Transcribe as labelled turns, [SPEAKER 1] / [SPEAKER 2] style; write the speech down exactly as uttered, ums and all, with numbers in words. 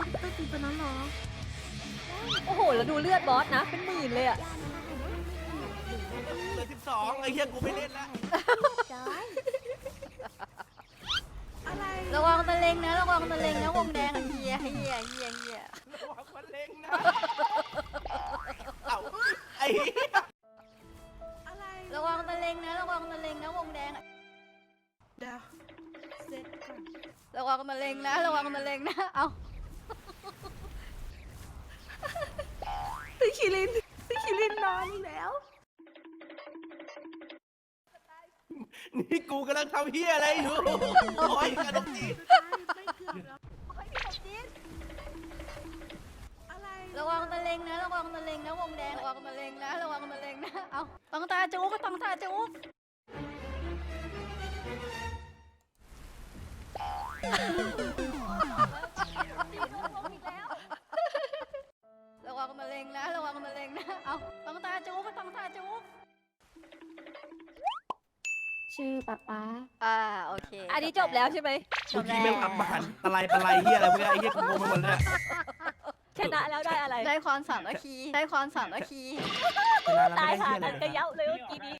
[SPEAKER 1] ตัวตีตัวนั้นเหรอ
[SPEAKER 2] โอ้โหแล้วดูเลือดบอสนะเป็นหมื่นเลยอะ
[SPEAKER 3] เหลือสิบสองไอ้เหี้ยกูไม่เล่นละ
[SPEAKER 1] อะไร
[SPEAKER 4] ระวังตะเลงนะระวังตะเลงนะวงแดงอะเฮียเฮียเฮียเฮีย
[SPEAKER 3] ระวังมันเล็งนะเอ้าไอ้เหี้ย
[SPEAKER 1] อะไร
[SPEAKER 4] ระวังตะเลงนะระวังตะเลงนะวงแดงอะ
[SPEAKER 1] เดี๋ยวเสร็จก่อน
[SPEAKER 4] ระวังตะเลงนะระวังตะเลงนะเอา
[SPEAKER 1] ตีคิรินตีคิรินนอนอีกแล้ว
[SPEAKER 3] นี่กูกำลังทำเหี้ยอะไรอยู่โอ้ยกระดกจี
[SPEAKER 1] ไม่เกือบแล้วอะไร
[SPEAKER 4] ระวังตะเลงนะระวังตะเลงนะวงแดงระวังตะเลงนะระวังตะเลงนะเอาต้องตาจุกต้องตาจุก ระวังมะเร็งนะระวังมะเร็งนะเอาต้องตาจุกต้องตาจุก
[SPEAKER 5] ชื่อป๊าป๊า
[SPEAKER 4] อ่าโอเค
[SPEAKER 2] อันนี้จบแล้วใช่ไหม
[SPEAKER 4] จ
[SPEAKER 3] เมื่อบ
[SPEAKER 4] แล้
[SPEAKER 3] กี้
[SPEAKER 4] ว
[SPEAKER 3] แม่งอับมาหันตะไลตะไลเหี้ยอะไรพวกเนี้ยไอ้เหี้ยกูงงไปหมดเลย
[SPEAKER 2] ชนะแล้วได้อะไร
[SPEAKER 4] ได้ความสามัคคีได้ความสามัคคี
[SPEAKER 3] ชนะแล้ว
[SPEAKER 2] ตาย
[SPEAKER 3] ไม่ได้
[SPEAKER 2] หา
[SPEAKER 3] เหี้ยอะไร
[SPEAKER 2] กันกระเย้าเลยเมื่อกี้นี้